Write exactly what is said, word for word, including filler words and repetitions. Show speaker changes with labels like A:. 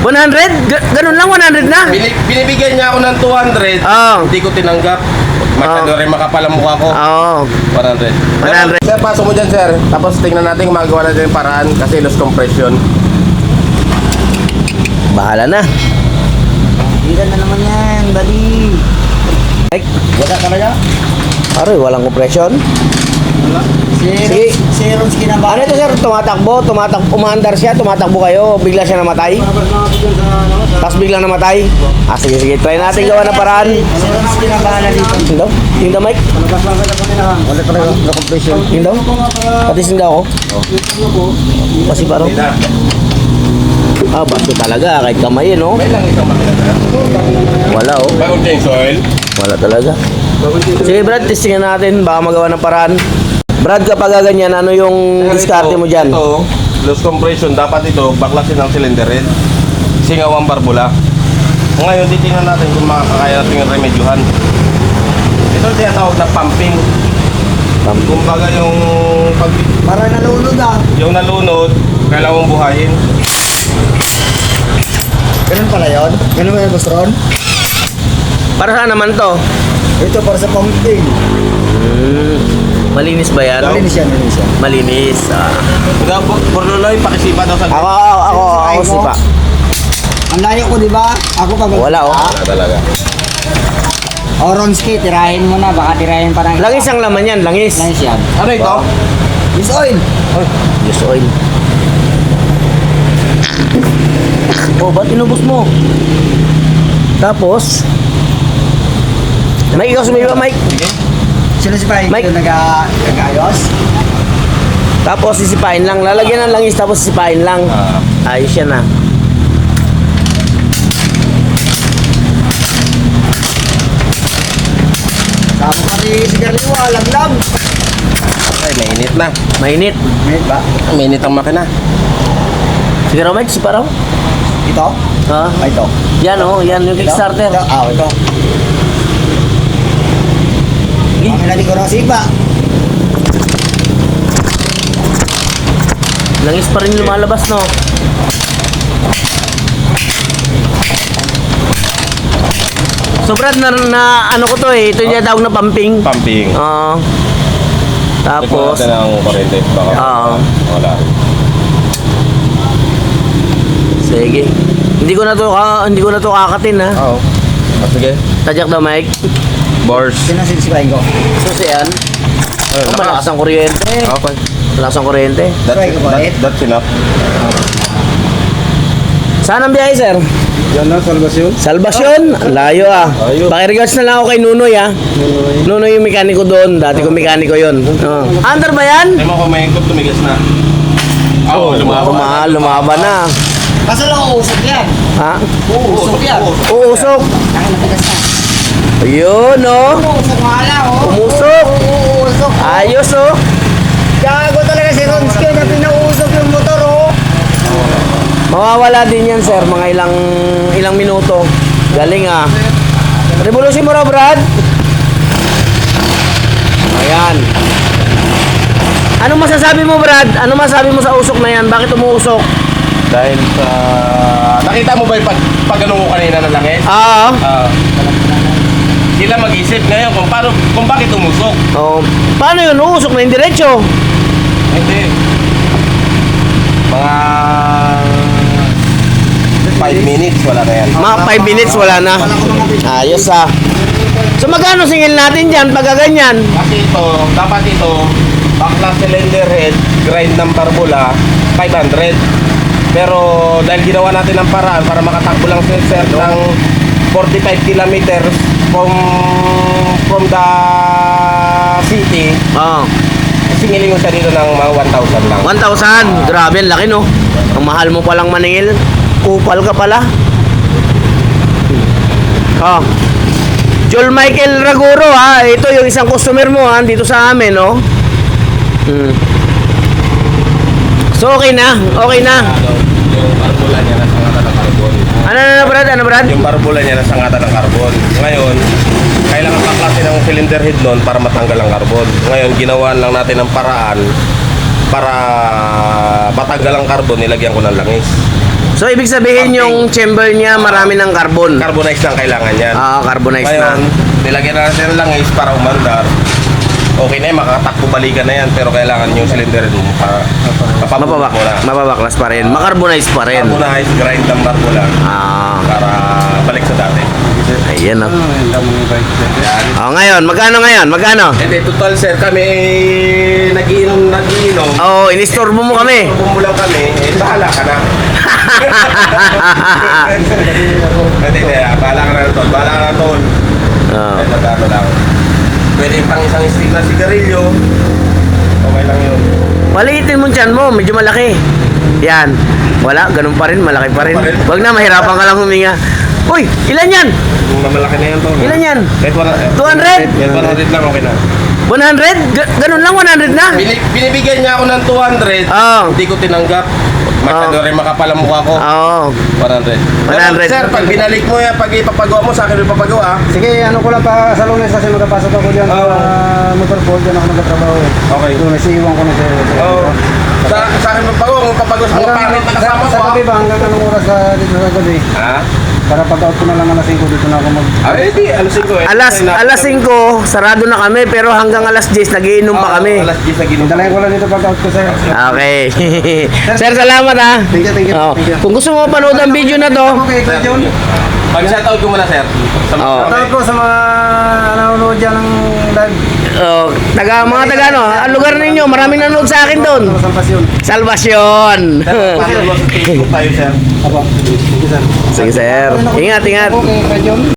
A: one hundred? Ga ganun lang, one hundred na?
B: Bini binibigyan niya ako ng two hundred.
A: Oo.
B: Hindi ko tinanggap. Masyado
A: Oo.
B: rin makapal ang mukha ko.
A: Oo.
B: one hundred.
A: one hundred.
B: Sir, pasok mo dyan, sir. Tapos tingnan natin kung magawa natin yung paraan kasi loss compression.
A: Bahala na.
C: Hindi na naman yan, buddy.
A: Mike,
B: Wala talaga?
A: aroy, walang compression.
C: Si
A: Sige.
C: Si Ronski na ba?
A: Ano ito sir, tumatakbo, tumatakbo, umaandar siya, tumatakbo kayo, bigla siya namatay. Tapos biglang namatay. Ah, sige, sige, try natin gawa ng paraan.
C: Si Ronski na bahala dito.
A: Tingdaw, tingdaw Mike,
C: Wala talaga na compression.
A: tingdaw. Pati tingdaw ako. Kasi parang,
B: Hindi na.
A: ah, basto talaga, kahit kamay no?
B: May lang isang makina na.
A: Wala oh,
B: Bagong change oil.
A: wala talaga. Sige Brad, testingin natin, baka magawa ng paraan. Brad, kapag ganyan, ano yung diskarte mo dyan?
B: Ito, loss compression. Dapat ito, baklasin ng cylinder head. Singaw ang barbula. Ngayon, titingnan natin kung makakaya natin yung remedyuhan. Ito yung tinatawag na pumping. Kumbaga yung pag
C: Para nalunod ah.
B: yung nalunod, kailangan mong buhayin.
C: Ganun pala yun? Ganun ba yung Boss Ron?
A: Para saan naman to?
C: Ito para sa pumping.
A: Hmm, malinis ba yan?
C: Malinis yan, malinis yan.
A: Malinis. Ah.
B: Kaya, Borloloy, pakisipa daw sa
A: Ako, ako, ako, ako si pa.
C: Ang layo ko, di ba? Ako pag...
A: Wala oh.
B: Wala talaga.
C: O Ronski, tirahin mo na. Baka tirahin pa ng...
A: Langis ang laman yan, langis.
C: Langis yan.
B: Ano ito?
C: Use oil.
A: Use oil. Oh, ba't inubos mo? Tapos, Mike, ikaw sumiba, Mike.
C: Sino si Pai?
A: Mike.
C: Ito naga- nag-ayos?
A: Tapos sisipain lang. Lalagyan ng langis tapos sisipain lang.
B: Ah.
A: Ayos yan ah.
C: Sabi pa ni Sigarilwa, laglag.
B: Ay, mainit na.
A: Mainit.
C: May ba?
B: Mainit ang makina.
A: Sige raw, Mike, sipa raw.
C: Ito?
A: Ha?
C: Ay, ito.
A: Yan oh, yan yung
C: Ito?
A: Kickstarter.
C: Ito? Ah, ito. Ang natin ko ng sipa.
A: Langis pa rin lumalabas, no? So Brad, na, na ano ko to eh, ito yung tawag na pumping.
B: Pumping.
A: Oo. Tapos,
B: Ito natin ang kurente. Baka
A: Oo.
B: wala.
A: sige. Hindi ko na to, ka, hindi ko na to kakatin ha.
B: Oo. Ah, sige.
A: Tadyak daw, Mike.
B: Bars.
C: Sino ang sisipain ko?
A: Susi yan.
B: Ayun,
A: Oh, malakas ang kuryente.
B: Okay.
A: Malakas ang kuryente.
B: That's,
C: Try ko ba,
B: that,
C: eh?
B: that's enough.
A: Saan ang biyahe, sir?
B: Yan na, salvation.
A: Salvasyon. Layo ah.
B: Layo.
A: Pakiregards na lang ako kay Nunoy ah. Nunoy yung mekaniko doon. Dati ko mekaniko yun. Oh. Under ba yan?
B: Ay mo kung may ikot, tumigas na. Oo, lumaban.
A: Lumaba, lumaba na.
C: Basta lang uusok yan.
A: Ha?
C: Uusok yan.
A: Uusok.
C: Ang natigas na.
A: Ayun oh.
C: Uusok nga lang, oh.
A: Umusok.
C: Uusok.
A: Ayos oh.
C: Gago talaga si Ronski na pinausok yung motor, oh.
A: Mawawala din yan, sir. Mga ilang ilang minuto. Galing ah. Revolution mo raw, Brad. Ayan. Ano masasabi mo, Brad? Ano masasabi mo sa usok na yan? Bakit umuusok?
B: Dahil sa... Nakita mo ba yung pag, pag ano ko kanina na langis?
A: Ah.
B: Ah. Sila mag-isip ngayon kung, paano, kung bakit umusok.
A: Oh. Paano yun? Uusok na yung diretso.
B: Hindi. Mga... five minutes, wala na yan.
A: Mga five minutes, wala na. Ayos ah. So magkano singil natin dyan pag ganyan?
B: Kasi ito, dapat ito, bakla cylinder head, grind ng barbula, five hundred. Pero dahil ginawa natin ang paraan para makatakbo lang si sir ng forty-five kilometers from from the city,
A: Oh.
B: singilin ko siya dito ng mga one thousand lang.
A: one thousand. Grabe, ang laki no. Ang mahal mo palang maningil. Kupal ka pala. Oh. Joel Michael Raguro ha. Ito yung isang customer mo ha. Dito sa amin no. Hmm. So okay na. Okay na.
B: Yung barbula niya nasa ngata ng carbon.
A: Ano na Brad? Ano Brad?
B: Yung barbula niya nasa ngata ng carbon. Ngayon, kailangan baklasin ng cylinder head nun para matanggal ang carbon. Ngayon, ginawaan lang natin ang paraan para matanggal ang carbon, nilagyan ko ng langis.
A: So, ibig sabihin
B: Pumping.
A: yung chamber niya marami ng carbon.
B: Carbonized lang kailangan yan.
A: Ah, carbonized
B: Ngayon,
A: na.
B: nilagyan na natin ng langis para umandar. Okay na yan, makakatakbo balikan na yan. Pero kailangan yung cylinder mo pa,
A: Mapabak,
B: mo na.
A: mapabaklas pa rin. Makarbonized pa rin.
B: Carbonized, grind ng barbo lang.
A: Ah,
B: Para balik sa dati.
A: ayan o.
B: Yan.
A: Oh, ngayon, magkano ngayon? Magkano?
B: Hindi, total sir, kami eh, nagiinom, nagiinom.
A: Oh, inistorbo mo kami.
B: Bumulang kami, eh, bahala ka na. Hindi, hindi, ah, bahala ka na tol. Bahala ka na tol.
A: Oh.
B: Kahit magkano lang. Pwede pang isang stick na sigarilyo. Okay lang yun.
A: Maliitin mo dyan mo, medyo malaki. Yan. Wala, ganun pa rin, malaki pa rin. Wag na, mahirapan ka lang huminga. Uy, ilan yan?
B: Yung mamalaki na yan tol.
A: Ilan yan?
B: Kahit one-
A: two hundred?
B: Kahit one hundred lang, okay na.
A: one hundred? Ga- ganun lang, one hundred na?
B: Bini- binibigyan niya ako ng two hundred.
A: Oo.
B: Hindi ko tinanggap. Masyado rin makapal ang mukha ko.
A: Oo.
B: one hundred.
A: one hundred.
B: Sir, pag binalik mo yan, pag ipapagawa mo sa akin, ipapagawa ah.
C: Sige, ano ko lang pa sa lunes kasi magkapasok ako dyan
B: Oo.
C: sa motorboard, dyan ako nagtatrabaho.
B: Okay.
C: Lunes, iiwan ko na siya.
B: Oo. Sa, sa akin magpagawa, kung papagawa sa mga pangit na kasama
C: sa,
B: ko
C: sa gabi
B: ah.
C: ba? Hanggang anong oras sa dito sa gabi?
B: Ha?
C: Para pag-out ko na lang alas singko dito na ako mag...
B: Ah, hindi. Alas singko eh.
A: Alas, alas singko, sarado na kami, pero hanggang alas diyes, nagiinom pa kami.
B: Alas diyes na ginom.
C: Dalayan ko lang dito pag-out ko, sir.
A: Okay. Sir, salamat ha.
C: Thank you, thank you.
A: Oo.
C: Thank you.
A: Kung gusto mo mapanood ang video na to,
C: Okay, Kuya John.
B: Pag-shoutout ko muna, sir. Sa mga
A: Oo.
C: Shoutout po sa mga nanonood dyan ng live.
A: oh, taga, mga taga ano, ang lugar ninyo, maraming nanonood sa akin doon.
C: Sa Pasyon.
A: Salvasyon.
B: Facebook tayo, sir.
C: Apo. Thank you, sir.
A: Sige sir. Ingat, ingat.
C: Okay, Kuya John.